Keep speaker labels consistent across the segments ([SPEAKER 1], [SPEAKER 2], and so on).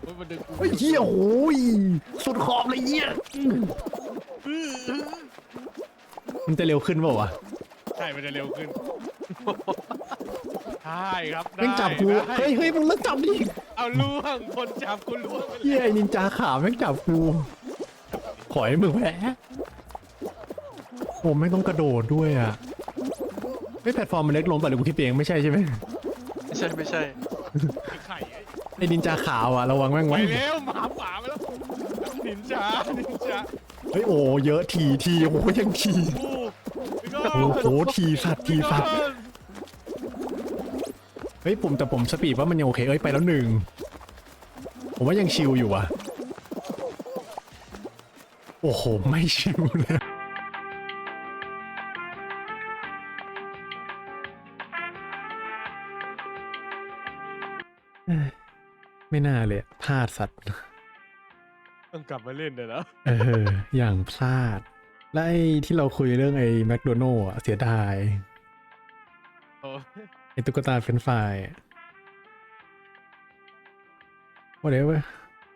[SPEAKER 1] มันดึงกู
[SPEAKER 2] เฮ้ยเฮียโอ้ยสุดขอบเลยเฮียมันจะเร็วขึ้นเปล่าวะ
[SPEAKER 1] ใช่มันจะเร็วขึ้นใช่ครับได้
[SPEAKER 2] แม่งจับกู
[SPEAKER 1] ได้
[SPEAKER 2] เฮ้ยมึงเลิกจับดิ
[SPEAKER 1] เอาล่วงคนจับกูล่วงไป
[SPEAKER 2] เฮียไอ้นินจาขาวแม่งจับกูขอให้มึงแพ้ผมไม่งต้องกระโดดด้วยอ่ะไม่แพลตฟอร์มมันเล็กลงป่ะหรือกูคิดเองไม่ใช่ใช่ไหม
[SPEAKER 3] ไม่ใช่
[SPEAKER 1] ไข่ไอ้
[SPEAKER 2] ไอ้นินจาขาวอ่ะระวังแม่ง
[SPEAKER 1] ไป
[SPEAKER 2] ไว้
[SPEAKER 1] แล้วหมาป่าไปแล้วนินจา
[SPEAKER 2] เฮ้ยโอ้เยอะทีโอ้ยังที
[SPEAKER 1] กู
[SPEAKER 2] โอ้โหทีสัตว์เฮ้ยแต่ผมสปีดว่ามันยังโอเคเอ้ยไปแล้วหนึ่งผมว่ายังชิลอยู่อ่ะโอ้โหไม่ชิลเลยไม่น่าเลยพลาดสัตว์
[SPEAKER 1] ต้องกลับมาเล่นเดี๋ยวนะ
[SPEAKER 2] อย่างพลาดและไอ้ที่เราคุยเรื่องไอ้แมคโดนัลล์อ่ะเสียดาย
[SPEAKER 1] โอ้
[SPEAKER 2] ไอ้ตุ๊กตาเฟรนช์ฟรายว่าเดี๋ยวเว้ย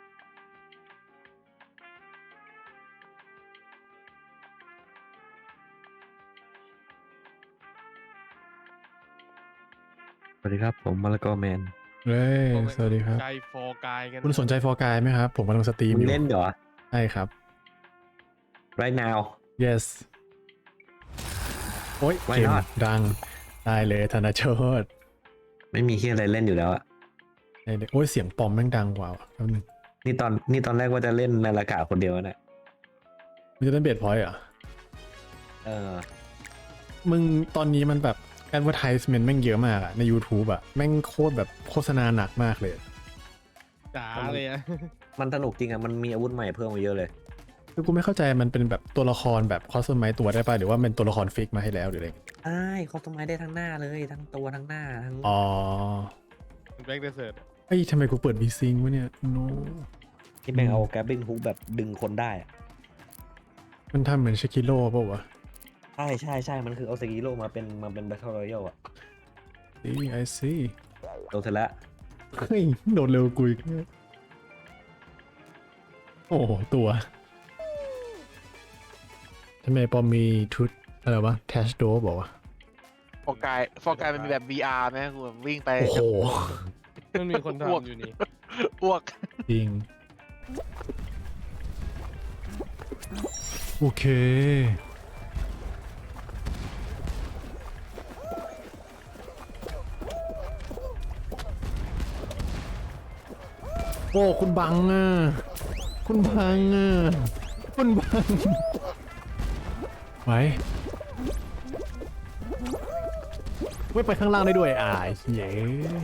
[SPEAKER 4] สวัสดีครับผมมาละกอแมน
[SPEAKER 2] เฮ้ยสวัสดีครับ
[SPEAKER 1] ใจฟอร์กายกัน
[SPEAKER 2] คุณสนใจฟอร์กายไหมครับ ผมกำลังสตรีม
[SPEAKER 4] มึ
[SPEAKER 2] อง ยู่
[SPEAKER 4] เล่นเหรอ
[SPEAKER 2] ใช่ครับ
[SPEAKER 4] right now
[SPEAKER 2] yes โอ้ย
[SPEAKER 4] Why
[SPEAKER 2] เกม
[SPEAKER 4] not?
[SPEAKER 2] ดังได้เลยธนาโชต
[SPEAKER 4] ไม่มีที่อะไรเล่นอยู่แล้วอะ
[SPEAKER 2] ได้เลยโอ้ยเสียงปอมแม่งดังกว่าว่ะแป๊บนึง
[SPEAKER 4] นี่ตอนแรกว่าจะเล่นนาฬิกาคนเดียวนะ
[SPEAKER 2] มันจะเล่นเบสพอยต์เหรอ
[SPEAKER 4] เออ
[SPEAKER 2] มึงตอนนี้มันแบบ advertisement แม่งเยอะมากอะใน YouTube อะแม่งโคตรแบบโฆษณาหนักมากเลย
[SPEAKER 1] จ๋าเลยอะ
[SPEAKER 4] มันสนุกจริงอะมันมีอาวุธใหม่เพิ่มมาเยอะเลย
[SPEAKER 2] คือกูไม่เข้าใจมันเป็นแบบตัวละครแบบคอสตอมไมตัวได้ป่ะหรือว่าเป็นตัวละครฟิกมาให้แล้วหรืออะไร
[SPEAKER 4] ใช่เขาต้นไม้ได้ทั้งหน้าเลยทั้งตัวทั้งหน้าทั้ง
[SPEAKER 2] อ๋อ
[SPEAKER 1] แบ็กเดเซิร์ต
[SPEAKER 2] เฮ้ยทำไมกูเปิดวีซิงวะเนี่ย no
[SPEAKER 4] ที่แม่งเอาแกร็บบิ้งฮุกแบบดึงคนได้อะ
[SPEAKER 2] มันทำเหมือนชาคิโร่ป่าววะ
[SPEAKER 4] ใช่มันคือเอาสกิโลมาเป็นแบทเทิลรอยัลอะ
[SPEAKER 2] I see
[SPEAKER 4] โดนเสร็จแล้ว
[SPEAKER 2] เฮ้ยโดดเร็วกูอีกโอ้โหตัวทำไมปอมมีชุดอะไรวะแทชโดบอกว่า
[SPEAKER 3] ฟอร์กายมันมีแบบ VR ไหมกูแบบวิ่งไป
[SPEAKER 2] โอ้โห
[SPEAKER 1] มันมีคนทำอยู่นี่
[SPEAKER 3] อ้วก
[SPEAKER 2] จริง โอเค โอ้คุณบังอ่ะ คุณบังอ่ะ คุณบังไว้ไม่ไปข้างล่างได้ด้วยเย้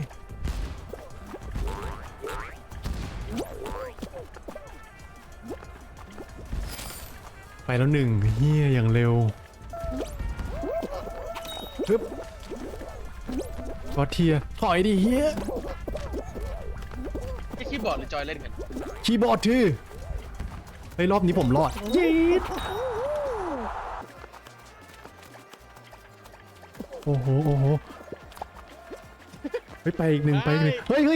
[SPEAKER 2] ไปแล้วหนึ่งเฮียอย่างเร็วปึ๊บกอดเทียถอยดิเฮีย
[SPEAKER 3] ไอ้คีย์บอร์ดหรือจอยเล่นกัน
[SPEAKER 2] คีย์บอร์ดทื่อเฮ้ยรอบนี้ผมรอดยีดโอ้โหเฮ้ยไปอีกหนึ่งเฮ้ย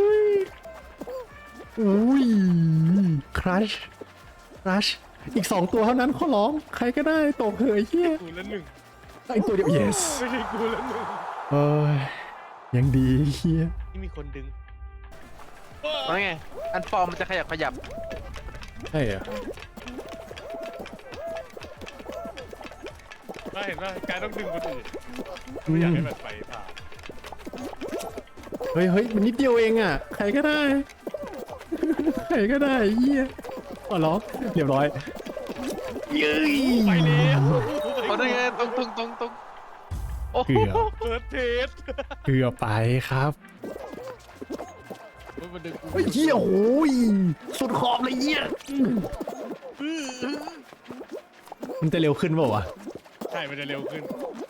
[SPEAKER 2] อุ้ยครัชอีก2ตัวเท่านั้นขอร้องใครก็ได้ตกเหยเฮีย
[SPEAKER 1] กูละหนึ่ง
[SPEAKER 2] อีกตัวเดียว yes
[SPEAKER 1] ไม่ใช่กูละหนึ่ง
[SPEAKER 2] เอ้ยยังดีเฮีย
[SPEAKER 1] ที่มีคนดึง
[SPEAKER 3] เพราะไงอันฟอร์มมันจะขยับ
[SPEAKER 2] ใช่เหรอ
[SPEAKER 1] ได้เห็นว่าการต้องดึงคนอื่นไม่อยากให้แบบไปผ่าน
[SPEAKER 2] เฮ้ยมันนิดเดียวเองอ่ะใครก็ได้เฮียอ๋อเหรอเรียบร้อยเย้ย
[SPEAKER 1] ไปแล้ว
[SPEAKER 3] เพราะนั่นไงตรงโอ้โห
[SPEAKER 1] เปิดเทส
[SPEAKER 2] เกือบไปครับ
[SPEAKER 1] มันดึงกู
[SPEAKER 2] เฮ้ยเฮียโอ้ยสุดขอบเลยเฮียมันจะเร็วขึ้นเปล่าวะ
[SPEAKER 1] ใช่มันจะเร็วขึ้น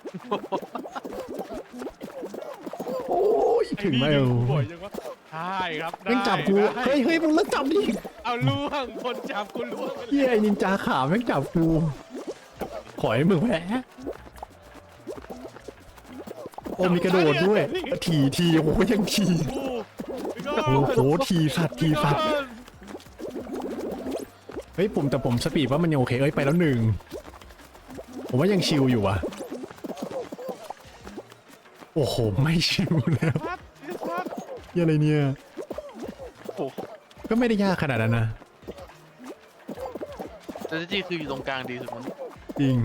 [SPEAKER 2] โอ้ยถึงไหม
[SPEAKER 1] ดึกูบ่อยจังวะใช่ครับ
[SPEAKER 2] แม่งจับกู
[SPEAKER 1] ได้
[SPEAKER 2] เฮ้ยมึงเลิกจับดิ
[SPEAKER 1] เอาล่วงคนจับกูล่วงไป
[SPEAKER 2] เฮียไอ้นินจาขาวแม่งจับกูขอให้มึงแพ้โอ้มีกระโดดด้วยทีโอ้ยยังที
[SPEAKER 1] กูไปก่
[SPEAKER 2] โอ้โหทีสัตว์ทีสัตว์เฮ้ยแต่ผมสปีดว่ามันยังโอเคเอ้ยไปแล้วหนึ่งผมว่ายังชิลอยู่ว่ะโอ้โหไม่ชิลแล้ว
[SPEAKER 1] พัดพี่พัด
[SPEAKER 2] เหี้ยอะไรเนี่ย
[SPEAKER 3] โอ้โห
[SPEAKER 2] ก็ไม่ได้ยากขนาดนั้นนะ
[SPEAKER 3] แต่จริงๆคืออยู่ตรงกลางดีสุดมั้ง
[SPEAKER 2] จริง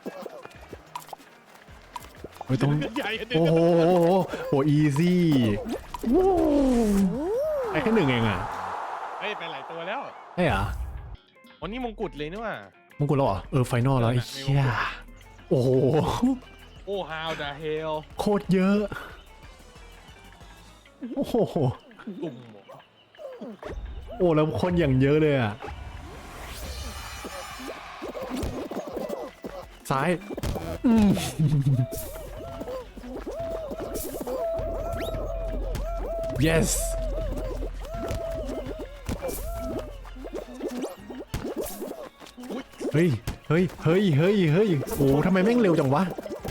[SPEAKER 2] เฮ้ยต้อง
[SPEAKER 1] ใหญ่อันหนึง
[SPEAKER 2] โอ้โหโหอีซี่ไอ้แค่หนึ่งเองอ่ะ
[SPEAKER 1] เฮ้ยไปหลายตัวแล้ว
[SPEAKER 2] ใช่เหรอ
[SPEAKER 1] วันนี้มงกุฎเลยนี่ว่ะ
[SPEAKER 2] มงกุฎแล้วเหรอไฟนอลแล้วไอ้เหี้ยโอ้โห
[SPEAKER 1] โอ้ how the hell
[SPEAKER 2] โคตรเยอะโอ้โห
[SPEAKER 1] ตุ่ม
[SPEAKER 2] โอ้แล้วคนอย่างเยอะเลยอ่ะซ้ายyes เฮ้ยเฮ้ยเฮ้ยเฮ้ยเฮ้ยโอ้ทำไมแม่งเร็วจังวะ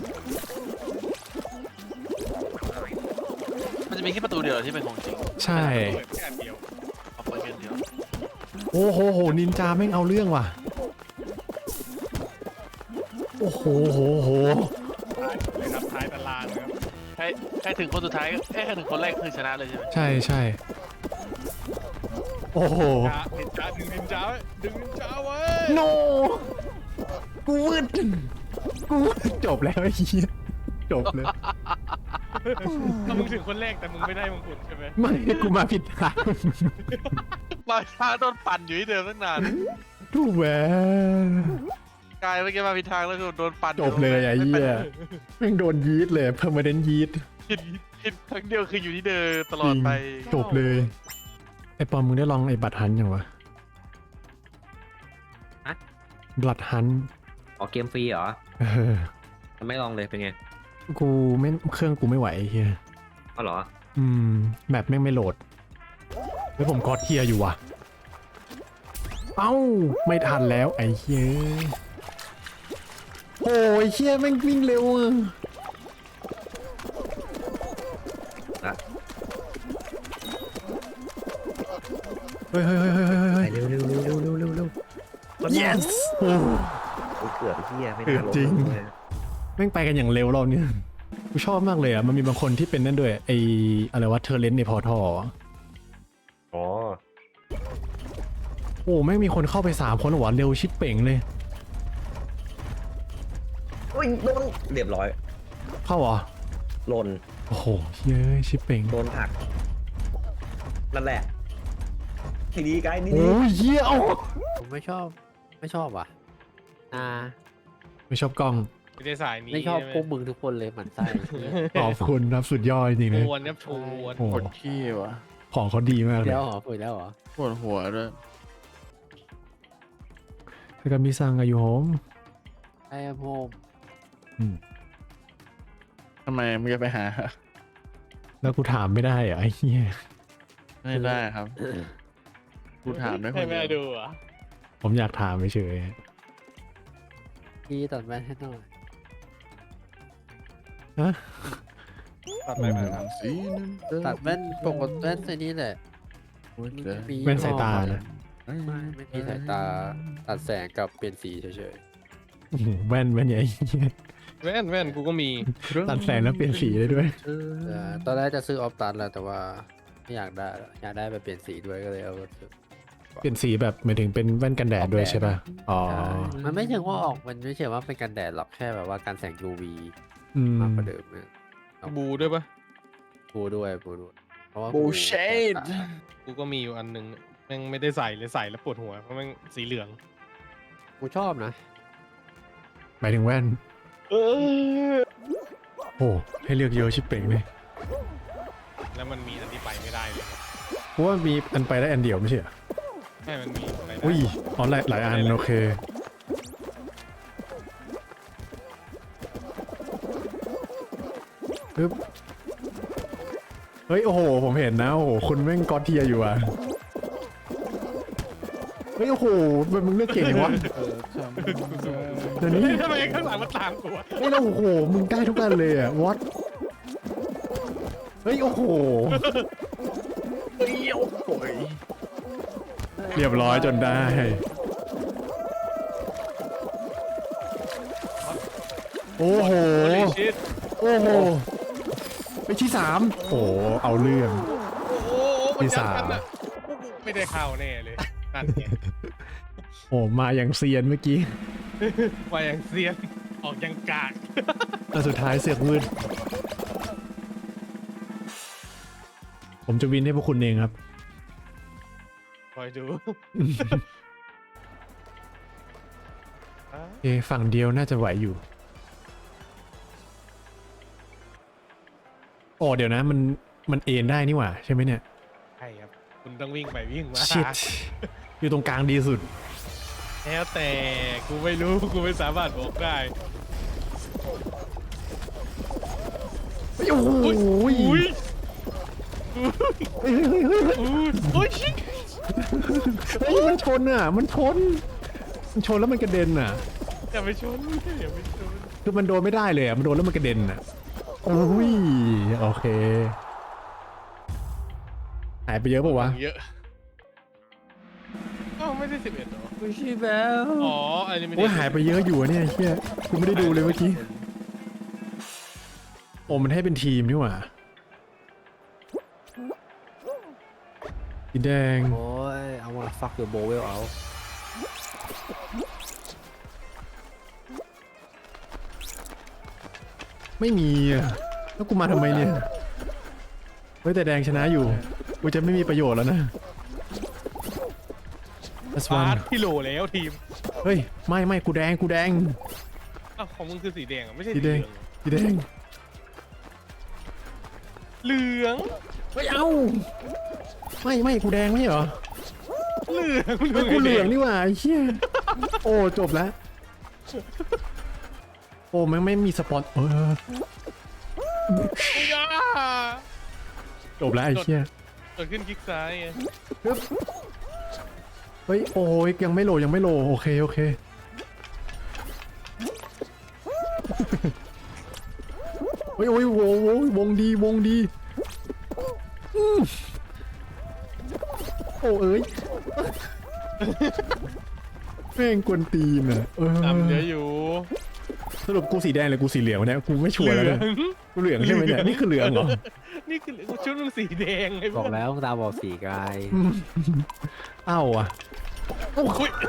[SPEAKER 3] มันจะมีแค่ประตูเดียวที่เป็นของจริง
[SPEAKER 2] ใช่
[SPEAKER 1] เปิดแค่อันเดียว
[SPEAKER 3] เอาเปิดแค่อันเดียว
[SPEAKER 2] โอ้โหโหนินจาแม่งเอาเรื่องว่ะโอ้โหโหโห
[SPEAKER 1] เลยครับท้ายตารางนะครับ
[SPEAKER 3] ใครถึงคนสุดท้ายแค่ถึงคนแรกคือชนะเลยใช่ไหม
[SPEAKER 2] ใช่ใช่โอ้โห
[SPEAKER 1] นินจาดึงนินจาไว้ดึงนินจาไว้
[SPEAKER 2] โนกูวืดกูวืดจบแล้วไอ้เหี้ยจบเลย
[SPEAKER 1] ถ้ามึงถึงคนแรกแต่มึงไม่ได้มงกุฎใช่ไหม
[SPEAKER 2] ไม่กูมาผิดทาง
[SPEAKER 3] มาช้าโดนปั่นอยู่ที่เดิมตั้งนาน
[SPEAKER 2] ถูกแหวน
[SPEAKER 3] กายเมื่อกี้มาผิดทางแล้วคือโดนปั่น
[SPEAKER 2] จบเลยไอ้เหี้ยแม่งโดนยีดเลยเพิ่มมาเดนยีด
[SPEAKER 3] ผิดครั้งเดียวคืออยู่ที่เดิมตลอดไป
[SPEAKER 2] จบเลยไอ้ปอมมึงได้ลองไอ้บัตรฮันยังวะ
[SPEAKER 4] ฮะ
[SPEAKER 2] บัตรฮัน
[SPEAKER 4] อ๋อเกมฟรีเหรอ
[SPEAKER 2] เออ
[SPEAKER 4] มันไม่ลองเลยเป็นไง
[SPEAKER 2] กูไม่เครื่องกูไม่ไหวไอ้เฮีย
[SPEAKER 4] อ๋อเหรอ
[SPEAKER 2] แมปแม่งไม่โหลดแล้วผมกอดเทียอยู่ว่ะเอ้าไม่ทันแล้วไอ้เฮียโอ้ยเฮียแม่งวิ่งเร็วอะ
[SPEAKER 4] ละ
[SPEAKER 2] เฮ้ยเฮ้ยเฮ้ยเฮ้ยเฮ้ย
[SPEAKER 4] ไป
[SPEAKER 2] เฮ้ย
[SPEAKER 4] เร็วเร็วเร็วเร็วเร็วเร็วเร็ว
[SPEAKER 2] yes โอ้
[SPEAKER 4] โอ้ยเกือบไอ้เหี้ยไม่
[SPEAKER 2] เกื
[SPEAKER 4] น่า
[SPEAKER 2] อบ
[SPEAKER 4] ลง
[SPEAKER 2] จริง
[SPEAKER 4] เลย
[SPEAKER 2] แม่งไปกันอย่างเร็วเราเนี่ยกูชอบมากเลยอ่ะมันมีบางคนที่เป็นนั่นด้วยไออะไรวะเทอร์เลนในพอทอ
[SPEAKER 4] อ๋อ
[SPEAKER 2] โอ้แม่งมีคนเข้าไป3 คนหรอวะเร็วชิดเป่งเลย
[SPEAKER 4] โอ้ยโดนเรียบร้อย
[SPEAKER 2] เข้าเหรอ
[SPEAKER 4] หล่น
[SPEAKER 2] โอ้โหเย้ยชิดเป่ง
[SPEAKER 4] โดนผลักนั่นแหละทีดีไกด์นี่
[SPEAKER 2] โอ้ยเยี่ยเอ้า
[SPEAKER 5] ผมไม่ชอบว่ะ
[SPEAKER 2] ไม่ชอบกล้อง
[SPEAKER 1] ไม่ได้สายนี้
[SPEAKER 5] ไม่ชอบ
[SPEAKER 1] ใไห
[SPEAKER 5] พวกมึงทุกคนเลยหมันไส้
[SPEAKER 2] ขอบคุณครับสุดยอดจริงๆเลย
[SPEAKER 1] ชวนครับชวน
[SPEAKER 2] โอ้โห
[SPEAKER 6] ปวดขี้วะ
[SPEAKER 2] ของเขาดีมากเลย
[SPEAKER 5] แล้วเหรอคุยแล้วเหรอ
[SPEAKER 6] ปวดหัวด้วย
[SPEAKER 2] ถ้ากับมิซังกับยูโฮม
[SPEAKER 5] ไอ้โฮม
[SPEAKER 6] ทำไมมึงจะไปหา
[SPEAKER 2] แล้วกูถามไม่ได้เหรอะไอ้เหี้ย
[SPEAKER 6] ไม่ได้ครับ กูถามได้ค
[SPEAKER 1] ให้
[SPEAKER 6] น
[SPEAKER 1] แม่
[SPEAKER 6] เดียว
[SPEAKER 1] ดูเหรอ่ะ
[SPEAKER 2] ผมอยากถามเฉย
[SPEAKER 5] พี่ตัดแว่นให้หน่อย
[SPEAKER 2] ๆฮะ
[SPEAKER 1] ตัดไปแบบนั้น
[SPEAKER 6] สีนั้น
[SPEAKER 5] ตัดแว่นปกติแว่นไอ้นี้แหละ
[SPEAKER 6] หัวใจ
[SPEAKER 5] มี
[SPEAKER 2] แว่นสายตานะ
[SPEAKER 5] ไม่มีสายตาตัดแสงกับเปลี่ยนสีเฉย
[SPEAKER 2] โอ้โหแว่นใหญ่เหี้ย
[SPEAKER 1] แว่นกูก็มี
[SPEAKER 2] ตัดแสงแล้วเปลี่ยนสีได้ด้วย
[SPEAKER 5] ๆตอนแรกจะซื้อออฟตัดแหละแต่ว่าไม่อยากได้แล้วอยากได้แบบเปลี่ยนสีด้วยก็เลยเอามาซื้อ
[SPEAKER 2] เปลี่ยนสีแบบหมายถึงเป็นแว่นกันแดดด้วยใช่ป่ะอ๋อ
[SPEAKER 5] มันไม่เชิงว่าออกมันไม่เชิงว่าเป็นกันแดดหรอกแค่แบบว่าการแสง UV
[SPEAKER 2] อืม
[SPEAKER 5] มากกว่าเดิมเนี่ย
[SPEAKER 1] บูด้วยปะ
[SPEAKER 5] ปูด้วยเพราะว่า
[SPEAKER 6] บูเชด
[SPEAKER 1] กูก็มีอยู่อันหนึงแม่งไม่ได้ใส่เลยใส่แล้วปวดหัวเพราะแม่งสีเหลือง
[SPEAKER 5] กูชอบนะ
[SPEAKER 2] หมายถึงแว่นโอ้ให้เลือกเยอะชิบเป่งเลย
[SPEAKER 1] แล้วมันมีอันที่ไปไม่ได้เลย
[SPEAKER 2] เพราะว่ามีอันไปได้อันเดียวไม่ใช่เหรอ
[SPEAKER 1] ใช่มันมีอะไรได้
[SPEAKER 2] อุ้ยอ๋อหลายอันโอเคปึ๊บเฮ้ยโอ้โหผมเห็นนะโอ้โหคุณแม่งกอดเทียอยู่อ่ะเฮ้ยโอ้โหมันมึงเลือกเก่งจังวะเดี๋ยวนี้
[SPEAKER 1] เฮ้ยทำไมข้างหลังมันตามกูวะ
[SPEAKER 2] เฮ้ยแล้วโอ้โหมึงได้ทุกอันเลยอ่ะวอตเฮ้ยโอ้โหเรียบร้อยจนได้ โอ้โห
[SPEAKER 1] โอ้ยชิด
[SPEAKER 2] โอ้โห ไปที่สามโอ้เอาเรื่อง
[SPEAKER 1] โอ้โหมันยัดกันอ่ะไม่ได้เข้าแน่เลยนั่นไง
[SPEAKER 2] โอ้มาอย่างเซียนเมื่อกี้
[SPEAKER 1] มาอย่างเซียนออกยังกาก
[SPEAKER 2] แต่สุดท้ายเสือกมืดผมจะวินให้พวกคุณเองครับ
[SPEAKER 1] คอยดู
[SPEAKER 2] โอเคฝั่งเดียวน่าจะไหวอยู่โอ้เดี๋ยวนะมันเอ็นได้นี่หว่าใช่ไหมเนี่ย
[SPEAKER 1] ใช่ครับคุณต้องวิ่งไปวิ่งมา
[SPEAKER 2] ชิดอยู่ตรงกลางดีสุด
[SPEAKER 1] แล้วแต่กูไม่รู้กูไม่สามารถบอกได้
[SPEAKER 2] โอ้โห
[SPEAKER 1] อุ้ย
[SPEAKER 2] เฮ้ยเฮ้ยเฮ้ยเฮ้ย
[SPEAKER 1] โอ้ยชิด
[SPEAKER 2] เฮ้ยมันชนอ่ะมันชนแล้วมันกระเด็นอ่ะ
[SPEAKER 1] อย่าไปชนอย่าไปชน
[SPEAKER 2] คือมันโดนไม่ได้เลยอ่ะมันโดนแล้วมันกระเด็นอ่ะโอ้ยโอเคหายไปเยอะปะวะ
[SPEAKER 1] เยอะอ้าวไม่ได้11หรอ
[SPEAKER 5] ไม่ใช่แล้ว
[SPEAKER 1] อ๋ออันนี้ไม่ได้
[SPEAKER 2] โอ้ยหายไปเยอะอยู่อะเนี่ยเฮียกูไม่ได้ดูเลยเมื่อกี้โอ้มันให้เป็นทีมนี่หว่าสีแดง
[SPEAKER 5] โอ้ยเอามาฟักเดอะโบเวลเอา
[SPEAKER 2] ไม่มีอ่ะแล้วกูมาทำไมเนี่ยเฮ้ยแต่แดงชนะอยู่กูจะไม่มีประโยชน์แล้วนะ That's
[SPEAKER 1] ฟา
[SPEAKER 2] one
[SPEAKER 1] ดพี่โหลแล้วทีม
[SPEAKER 2] เฮ้ยไม่กูแดง
[SPEAKER 1] อ้าวของมึงคือสีแดงอ่ะไม่ใช่
[SPEAKER 2] สี
[SPEAKER 1] สี
[SPEAKER 2] แด
[SPEAKER 1] เหลื
[SPEAKER 2] ง
[SPEAKER 1] อง
[SPEAKER 2] สีแดง
[SPEAKER 1] เหลือง
[SPEAKER 2] เฮ้ยเอ้าไม่กูแดงไม่ใช่เหรอ
[SPEAKER 1] เหลือง
[SPEAKER 2] เฮ้ยกูเหลืองนี่หว่าไอ้เหี้ยโอ้จบแล้วโอ้มันไม่มีสปอน
[SPEAKER 1] อย่า
[SPEAKER 2] จบแล้วไอ้เหี้ย
[SPEAKER 1] เกิดขึ้นคลิกซ้ายไง
[SPEAKER 2] ปึ๊บเฮ้ยโอ้ยยังไม่โหลโอเคเฮ้ยโอ้ยวงดีโอ้เอ้ยแม่งกวนตีนอ่ะ
[SPEAKER 1] ตามเยอะอยู่
[SPEAKER 2] สรุปกูสีแดงหรือกูสีเหลืองวะเนี่ยกูไม่ชัวร์แล้วเนี่ยกูเหลืองใช่ไหมเนี่ยนี่คือเหลืองเหรอ
[SPEAKER 1] นี่คือชุดมึงสีแดงไง
[SPEAKER 5] บอกแล้วตาบอกสีกาย
[SPEAKER 2] เอ้าอ่ะ
[SPEAKER 1] อุ๊ย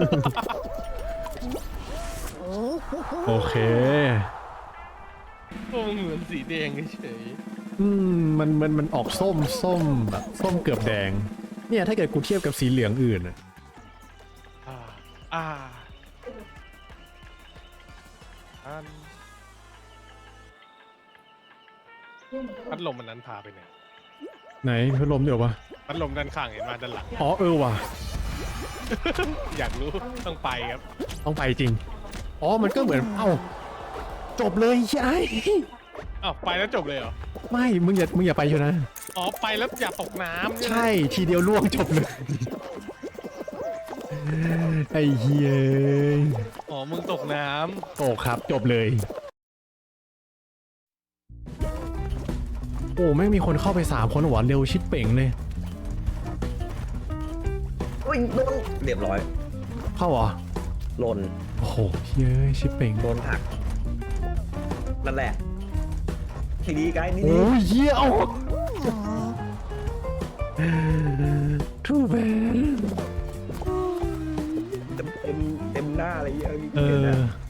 [SPEAKER 2] โอเค
[SPEAKER 1] พวกมึงเหมือนสีแดงเฉย
[SPEAKER 2] มันออกส้มแบบส้มเกือบแดงเนี่ยถ้าเกิดกูเทียบกับสีเหลืองอื่นอะ
[SPEAKER 1] อ่าอันพัดลมมันนั้นพาไปไหน
[SPEAKER 2] ไหนพัดลมเดี๋ยววะ
[SPEAKER 1] พัดลมด้านข้างเห็นมาด้านหลัง
[SPEAKER 2] อ๋อว่ะ
[SPEAKER 1] อยากรู้ต้องไปครับ
[SPEAKER 2] ต้องไปจริงอ๋อมันก็เหมือนเอ้าจบเลยใช่
[SPEAKER 1] อ้าวไปแล้วจบเลยเหรอ
[SPEAKER 2] ไม่มึงอย่าไปเชียวนะ
[SPEAKER 1] อ๋อไปแล้วอย่าตกน้ำใช่ไหม
[SPEAKER 2] ใช่ทีเดียวล่วงจบเลยไอ้เฮีย
[SPEAKER 1] อ๋อมึงตกน้
[SPEAKER 2] โอ้ครับจบเลยโอ้แม่งมีคนเข้าไป3 คนหวานเร็วชิดเป่งเลย
[SPEAKER 4] โอ้ยโดนเรียบร้อย
[SPEAKER 2] เข้าเหรอ
[SPEAKER 4] หล่น
[SPEAKER 2] โอ้โหเฮ้ยชิดเป่ง
[SPEAKER 4] โดนหักนั่นแหละทีนี้ไกด์นี่
[SPEAKER 2] โอ้ยเหี้ยเอาทูแบน
[SPEAKER 4] เต็มหน้าอะไรเงี้ย
[SPEAKER 2] เออ